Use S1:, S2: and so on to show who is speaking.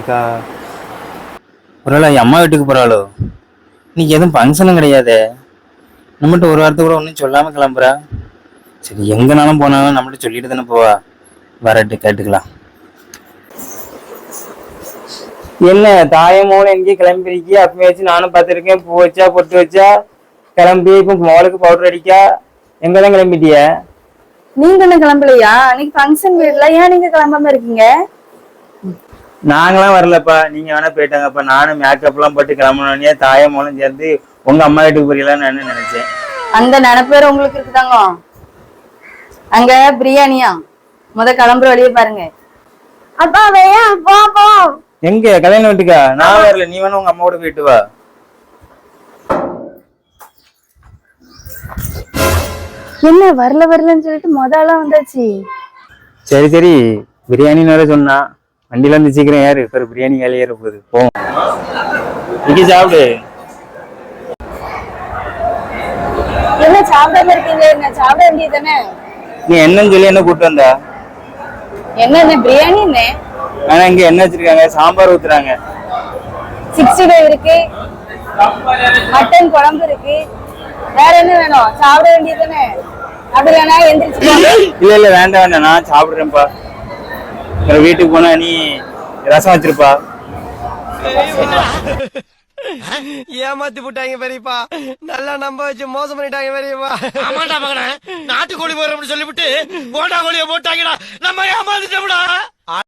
S1: இருக்கா? ஒருவேளை அம்மா வீட்டுக்கு போறாளோ? இன்னைக்கு எதுவும் ஃபங்க்ஷனும் கிடையாதே. நம்மகிட்ட ஒரு வாரத்தை கூட ஒன்றும் சொல்லாம கிளம்புறா. சரி, எங்கனாலும் போனாலும் நம்மகிட்ட சொல்லிட்டு தானே போவா. வரட்டு கேட்டுக்கலாம். என்ன தாயமோன்னு எங்கேயும் கிளம்பிருக்கி? அப்பவே வச்சு நானும் பார்த்துருக்கேன். பூ வச்சா பொட்டு வச்சா கிளம்பி இப்போ மோளுக்கு பவுடர் அடிக்கா. எங்கதான் கிளம்பிட்டிய?
S2: நீங்க என்ன கிளம்பலையா? அன்னைக்கு ஃபங்க்ஷன் வீட்ல, ஏன் நீங்க கிளம்பாம இருக்கீங்க?
S1: நாங்களாம் வரலப்பா, நீங்க வேணா போயிட்டாங்கப்பா. நானும் மேக்கப் எல்லாம் போட்டு கிளம்பணுன்னே தாயமோளும் சேர்ந்து உங்க அம்மா வீட்டுக்கு போறீங்களான்னு நான் நினைச்சேன்.
S2: அந்த நினைப்பேர் உங்களுக்கு இருக்குதாங்க. அங்க பிரியாணியா? கிளம்புற வழியே பாருங்க.
S3: அப்பா வேயா போ.
S1: எங்க கல்யாணம் வீட்டுக்கா? நான் வரல, நீ வேணா உங்க அம்மாவோட போயிட்டு வா.
S2: என்ன வரலன்னு சொல்லிட்டு முதலாம் வந்தாச்சு.
S1: சரி சரி, பிரியாணின்னு வேற சொன்னா. வண்டியில இருந்து சீக்கிரம் ஏறு, இப்ப பிரியாணி வேலையை ஏற போகுது. போ இங்க சாப்பிடு.
S2: என்ன சாப்பிடாம இருக்கீங்க? என்ன சாப்பிட வேண்டியது தானே?
S1: நீ என்னன்னு சொல்லி என்ன கூப்பிட்டு வந்தா?
S2: என்ன பிரியாணி? என்ன
S1: ஆனா இங்க என்ன வச்சிருக்காங்க? சாம்பார் ஊத்துறாங்க,
S2: 65 இருக்கு, மட்டன் குழம்பு இருக்கு. வேற என்ன வேணும்? சாப்பிட வேண்டியது தானே? அப்படி வேணா எந்திரிச்சு.
S1: இல்ல இல்ல வேண்டாம் வேண்டாம், நான் சாப்பிடுறேன்ப்பா. வீட்டுக்கு போனா நீ ரசம் வச்சிருப்பா.
S4: ஏமாத்தி போட்டாங்க பெரியப்பா. நல்லா நம்ப வச்சு மோசம் பண்ணிட்டாங்க பெரியப்பா. ஆமாண்டா மகனே, நாட்டுக்கோழி போறோம்னு சொல்லிவிட்டு போட்டா கோழிய போட்டாங்கடா. நம்ம ஏமாந்துட்டோம்டா.